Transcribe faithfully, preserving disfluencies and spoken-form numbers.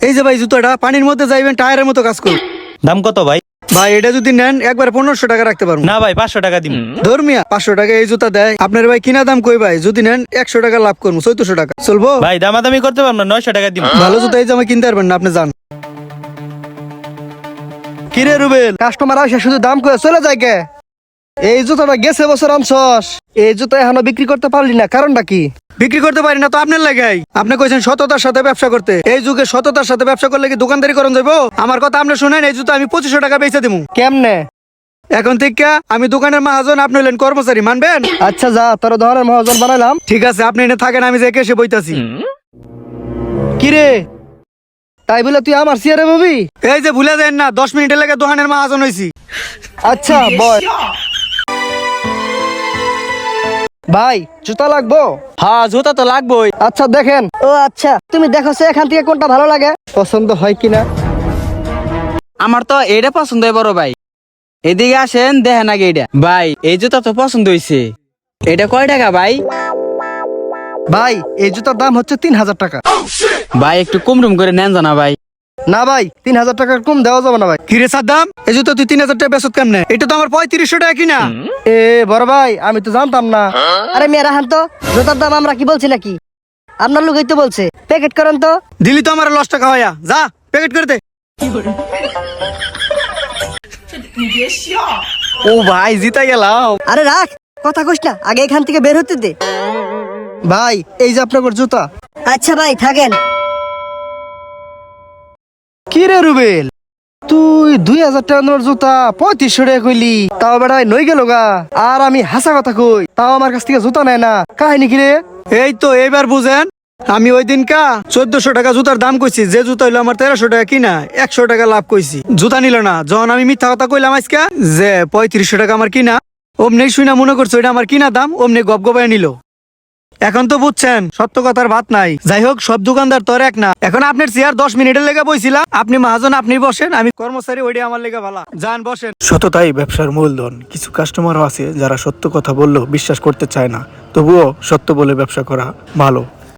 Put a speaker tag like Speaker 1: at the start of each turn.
Speaker 1: এই যে ভাই জুতাটা পানির মধ্যে যাইবেন টায়ারের মতো কাজ করবে।
Speaker 2: দাম কত ভাই?
Speaker 1: ভাই এটা যদি নেন একবার পনেরোশো টাকা রাখতে পারবো
Speaker 2: না ভাই পাঁচশো টাকা দিন।
Speaker 1: ধর্মিয়া পাঁচশো টাকা এই জুতা দেয় আপনার ভাই কিনা দাম কই ভাই যদি নেন একশো টাকা লাভ করবো চৌদ্দশো টাকা চলবো
Speaker 2: ভাই দামাদামি করতে পারবো না, নয়শো টাকা দিন।
Speaker 1: ভালো জুতা এই জামা কিনতে পারবেন না আপনি যান। কিরে রুবেল কাস্টমার আসে শুধু দাম কয়ে চলে যায় কে? এই জুতাটা গেছে বছর আনছস, এই জুতা এখনো বিক্রি করতে পারলি না, কারণটা কি? বিক্রি করতে পারি না তো আপনার লাগাই। আপনি কইছেন সততার সাথে ব্যবসা করতে, এই যুগে সততার সাথে ব্যবসা করলে কি দোকানদারি করন যাবো? আমার কথা আপনি শুনেন, এই জুতা আমি পঁচিশশো টাকা বেচে দিবো। কেমনে? এখন থেকে আমি দোকানের মহাজন, আপনি হলেন কর্মচারী, মানবেন? আচ্ছা যা, তোর ধরনের মহাজন বানাইলাম। ঠিক আছে আপনি এনে থাকেন, আমি যে এসে বইতাছি। কিরে তাই বলে তুই আমার সিয়ারে ববি? এই যে ভুলে দেন না, দশ মিনিটের লেগে দোকানের মহাজন হইছি। আচ্ছা বয় ভাই জুতা লাগবো?
Speaker 2: হ্যাঁ জুতা তো লাগবেই।
Speaker 1: আচ্ছা দেখেন। ও আচ্ছা তুমি দেখো সে এখান থেকে কোনটা ভালো লাগে, পছন্দ হয় কিনা।
Speaker 3: আমার তো এটা পছন্দ হয় বড় ভাই, এদিকে আসেন দেখেন আগে এটা। ভাই এই জুতা তো পছন্দ হয়েছে, এটা কয় টাকা ভাই?
Speaker 1: ভাই এই জুতার দাম হচ্ছে তিন হাজার টাকা।
Speaker 3: ভাই একটু কম টুম করে নেন জানা ভাই।
Speaker 1: না ভাই তিন হাজার টাকার কম দেওয়া যাবে না ভাই। কিরে সাদ্দাম এই জুতো তুই তিন হাজার টাকা বেচত কেমনে? এটা তো আমার পঁয়ত্রিশশো টাকা কিনা। এ বড় ভাই আমি তো জানতাম না।
Speaker 4: আরে মেয়েরা হান তো, জুতার দাম আমরা কি বলছি নাকি? আপনার লোকই তো বলছে, প্যাকেট করেন তো।
Speaker 1: দিলি তো আমার লস টাকা হইয়া, যা প্যাকেট করে দে। ও ভাই জিতা গেলাম।
Speaker 4: আরে রাখ, কথা কইস না, আগে এখান থেকে বের হতে দে।
Speaker 1: ভাই এই যে আপনার জুতা।
Speaker 4: আচ্ছা ভাই থাকেন।
Speaker 1: কি রে রুবেল তুই দুই হাজার টাকা নোর জুতা পঁয়ত্রিশশো টাকা কইলি, তাও বেড়াই নই গেল গা। আর আমি হাসা কথা কই, তাও আমার কাছ থেকে জুতা নেয় না, কাহিনী কি রে? এই তো এইবার বুঝেন, আমি ওই দিন কা চোদ্দশো টাকা জুতার দাম কইছি, যে জুতা হইলো আমার তেরোশো টাকা কিনা, একশো টাকা লাভ কইছি, জুতা নিল না। যখন আমি মিথ্যা কথা কইলাম আজকে যে পঁয়ত্রিশশো টাকা আমার কিনা, অমনি শুনা মনে করছো এটা আমার কিনা দাম, অমনি গপ গপায় নিল। এখন তো বুঝছেন সত্য কথার ভাত নাই। যাই হোক সব দোকানদার তোর এক না। এখন আপনার চেয়ার দশ মিনিটের লেগে বইছিলাম, আপনি মহাজন আপনি বসেন, আমি কর্মচারী, ওইটা আমার লেগে ভালো। যান বসেন।
Speaker 5: সততাই ব্যবসার মূলধন। কিছু কাস্টমারও আছে যারা সত্য কথা বললেও বিশ্বাস করতে চায় না, তবুও সত্য বলে ব্যবসা করা ভালো।